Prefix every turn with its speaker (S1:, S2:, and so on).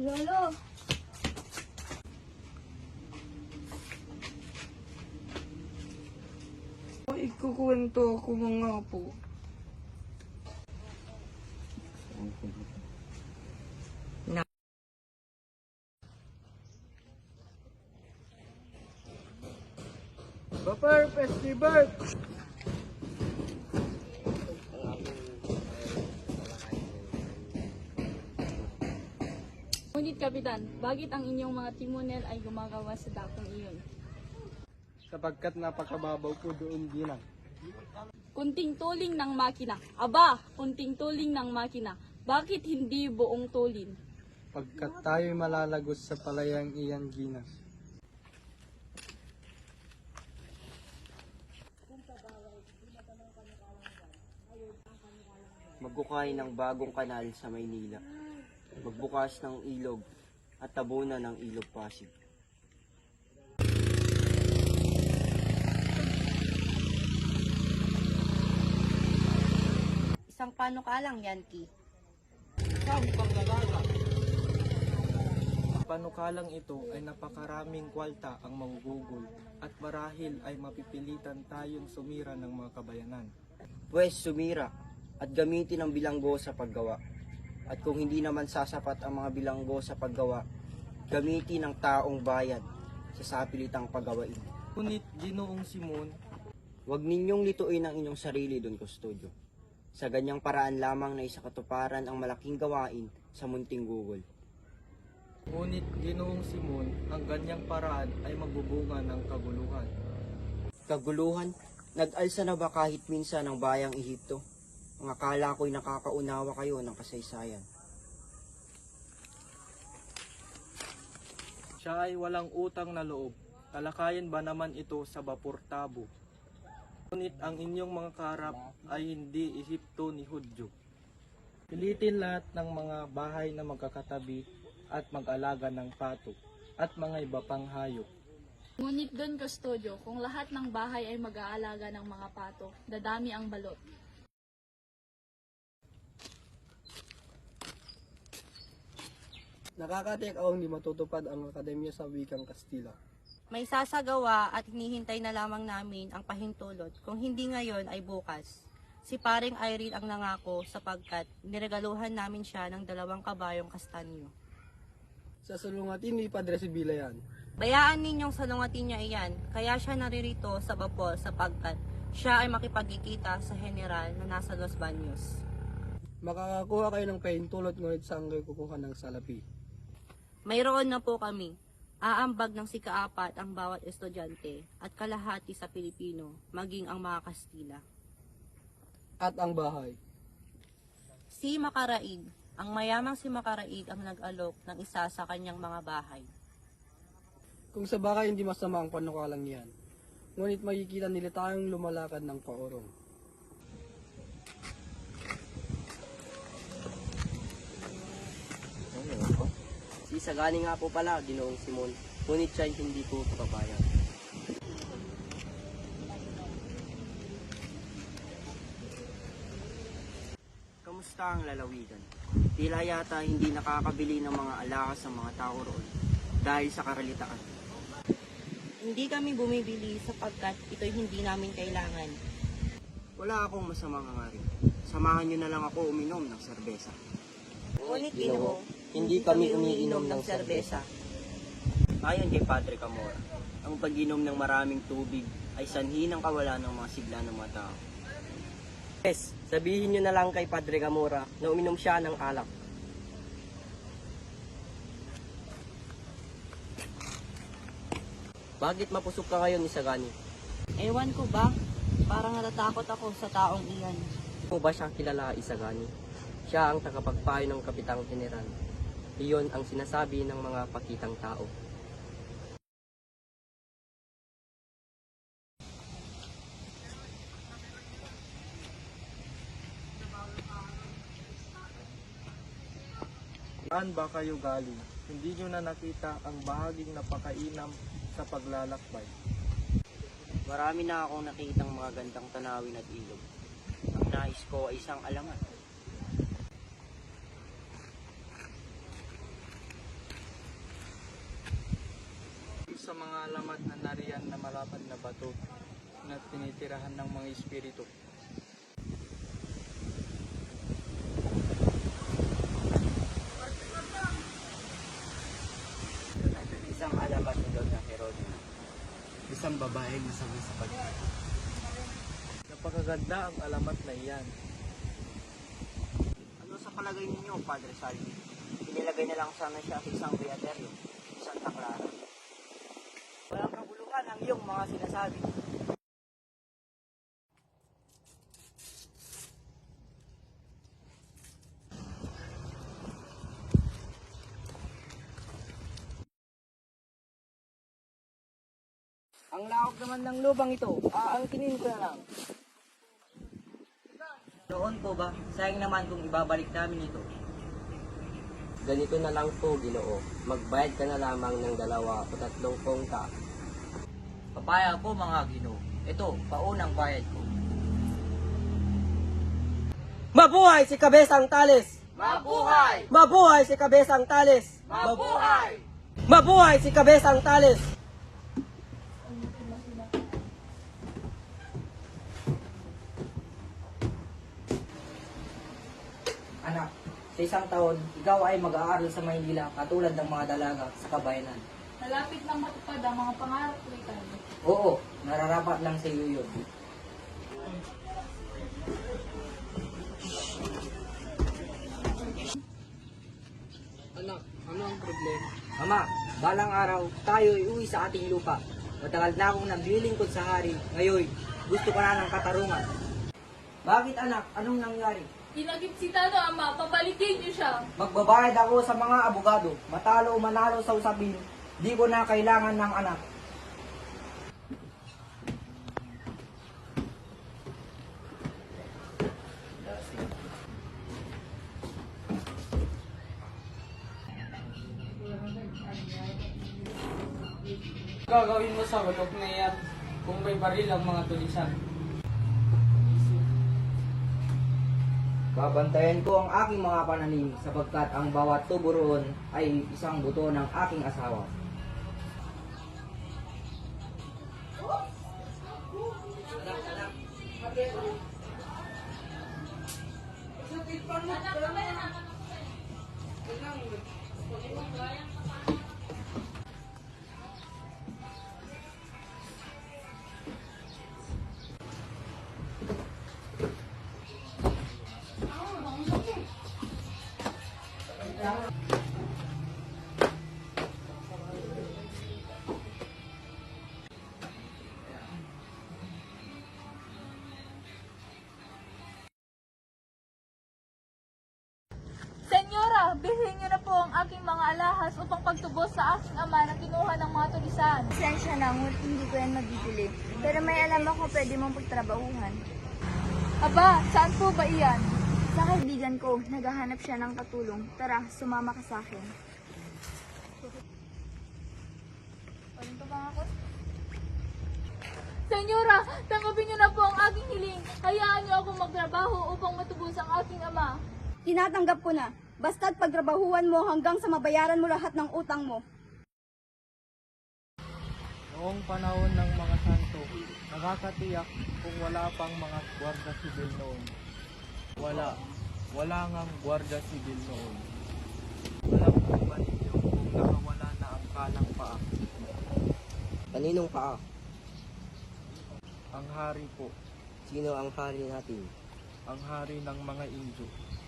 S1: Lolo!
S2: Ikukwento ako mga po. Bapar Festival!
S1: Ngunit Kapitan, bakit ang inyong mga timonel ay gumagawa sa dakong iyon?
S2: Sapagkat napakababaw po doon ginang.
S1: Kunting tuling ng makina. Aba, kunting tuling ng makina. Bakit hindi buong tulin?
S2: Pagkat tayo'y malalagos sa palayang iyan ginang.
S3: Magbukay ng bagong kanal sa Maynila, magbukas ng ilog at tabunan ng ilog Pasig.
S4: Isang panukalang, Yankee.
S5: Panukalang ito ay napakaraming kwalta ang manggugol at marahil ay mapipilitan tayong sumira ng mga kabayanan.
S3: Pwes sumira at gamitin ang bilanggo sa paggawa. At kung hindi naman sasapat ang mga bilanggo sa paggawa, gamitin ang taong bayad sa sapilitang paggawain.
S5: Ngunit Ginoong Simon,
S3: Huwag ninyong lituin ang inyong sarili, Don Custodio. Sa ganyang paraan lamang na isakatuparan ang malaking gawain sa munting gugol.
S5: ngunit Ginoong Simon, ang ganyang paraan ay magbubunga ng kaguluhan.
S3: Kaguluhan, nag-alsa na ba kahit minsan ang bayang Ehipto? Ang akala ko'y nakakaunawa kayo ng kasaysayan.
S5: Siya ay walang utang na loob. Talakayan ba naman ito sa Bapur Tabo? Ngunit ang inyong mga karap ay hindi Ehipto ni Hudyo. Pilitin lahat ng mga bahay na magkakatabi at mag-alaga ng pato at mga iba pang hayop.
S1: Ngunit Don Custodio, kung lahat ng bahay ay mag-aalaga ng mga pato, dadami ang balot.
S2: Nakakatik ako hindi matutupad ang akademya sa wikang Kastila.
S4: May sasagawa at hinihintay na lamang namin ang pahintulot. Kung hindi ngayon ay bukas. Si paring Irene ang nangako sapagkat niregaluhan namin siya ng 2 kabayong kastanyo.
S2: Sa sulungatin ni Padre Sibila yan.
S4: Bayaan ninyong salungatin niya iyan, kaya siya naririto sa Bapor sapagkat siya ay makipagkikita sa general na nasa Los Baños.
S2: Makakakuha kayo ng pahintulot ngunit saan kayo kukuha ng salapi.
S4: Mayroon na po kami. Aambag ng sikaapat ang bawat estudyante at kalahati sa Pilipino, maging ang mga Kastila.
S2: At ang bahay.
S4: Si Makaraig, ang mayamang si Makaraig ang nag-alok ng isa sa kanyang mga bahay.
S2: Kung sa bagay hindi masama ang panukalang yan. Ngunit makikita nila tayong lumalakad ng paorong.
S3: Si Sagani nga po pala, Ginoong Simon, ngunit siya hindi po papayag. Kamusta ang lalawigan? Tila yata hindi nakakabili ng mga alahas ang mga tao roon dahil sa karalitaan.
S4: Hindi kami bumibili sapagkat ito'y hindi namin kailangan.
S3: Wala akong masamang hangarin. Samahan niyo na lang ako uminom ng serbesa.
S4: Ngunit Ginoo,
S3: Hindi kami umiinom ng serbesa. Ayon kay Padre Camora, ang pag-inom ng maraming tubig ay sanhi ng kawalan ng mga sigla ng mga tao. Yes, sabihin niyo na lang kay Padre Camora na uminom siya ng alak. Bakit mapusok ka ngayon, Isagani?
S4: Ewan ko ba? Parang natatakot ako sa taong iyan.
S3: Mo ba siya kilala, Isagani? Siya ang tagapagpayo ng Kapitang General. Iyon ang sinasabi ng mga pakitang tao.
S5: Saan ba kayo galing? Hindi nyo na nakita ang bahaging napakainam sa paglalakbay.
S3: Marami na akong nakitang mga gandang tanawin at ilog. Ang nais ko ay isang alamat.
S5: alamat na nariyan na malapad na bato na tinitirahan ng mga espiritu.
S3: Isang alamat ni Lord na Herode.
S5: Isang babaeng nasabi sa pagkain. Napakaganda ang alamat na iyan.
S3: Ano sa palagay ninyo, Padre Salvi? Inilagay na lang sana siya sa isang beaterio, Santa Clara.
S4: Walang kabuluhan ang iyong mga sinasabi. Ang lawak naman ng lubang ito, aangkinin ko na lang.
S3: Noon po ba? Sayang naman kung ibabalik namin ito. Ganito na lang po, Ginoo. Magbayad ka na lamang ng 2 o 3 kongka.
S4: Papaya po mga Ginoo. Ito, paunang bayad ko.
S2: Mabuhay si Kabesang Tales!
S4: Mabuhay!
S2: Mabuhay si Kabesang Tales!
S4: Mabuhay!
S2: Mabuhay si Kabesang Tales!
S4: Anak, sa isang taon, ikaw ay mag-aaral sa Maynila katulad ng mga dalaga sa kabayanan.
S1: Malapit lang matupad ang mga pangarap ko, Ricardo.
S4: Oo, nararapat lang sa iyo yun.
S2: Anak, ano ang problema?
S4: Ama, balang araw, tayo ay uwi sa ating lupa. Matagal na akong naglilingkod sa hari. Ngayon, gusto ko na ng katarungan. Bakit anak? Anong nangyari?
S1: Inagip si Tano, Ama. Pabalikin niyo siya.
S4: Magbabayad ako sa mga abogado. Matalo o manalo sa usapin, di ko na kailangan ng anak.
S2: Gagawin mo sa balok na yan kung may baril ang mga tulisan.
S4: Babantayan ko ang aking mga pananim sapagkat ang bawat tubo roon ay isang buto ng aking asawa.
S1: Senyora, bilhin niyo na po ang aking mga alahas upang pagtubos sa aking ama na kinuha ng mga tulisan.
S6: Pasensya na, ngunit hindi ko yan mabibili. Pero may alam ako pwede mong pagtrabahuhan.
S1: Aba, saan po ba iyan?
S6: Sa kaibigan ko, naghahanap siya ng katulong. Tara, sumama ka sa akin.
S1: Senyora, tanggapin niyo na po ang aking hiling. Hayaan niyo akong magtrabaho upang matubos ang aking ama.
S6: Tinatanggap ko na. Basta't pagtrabahuan mo hanggang sa mabayaran mo lahat ng utang mo.
S5: Noong panahon ng mga santo, nakakatiyak kung wala pang mga gwarda sibil noon. Wala ngang gwarda sibil noon. Alam po ba ninyo kung nakawala na ang kanang paa?
S3: Kaninong paa?
S5: Ang hari po,
S3: Sino ang hari natin?
S5: ang hari ng mga Indio.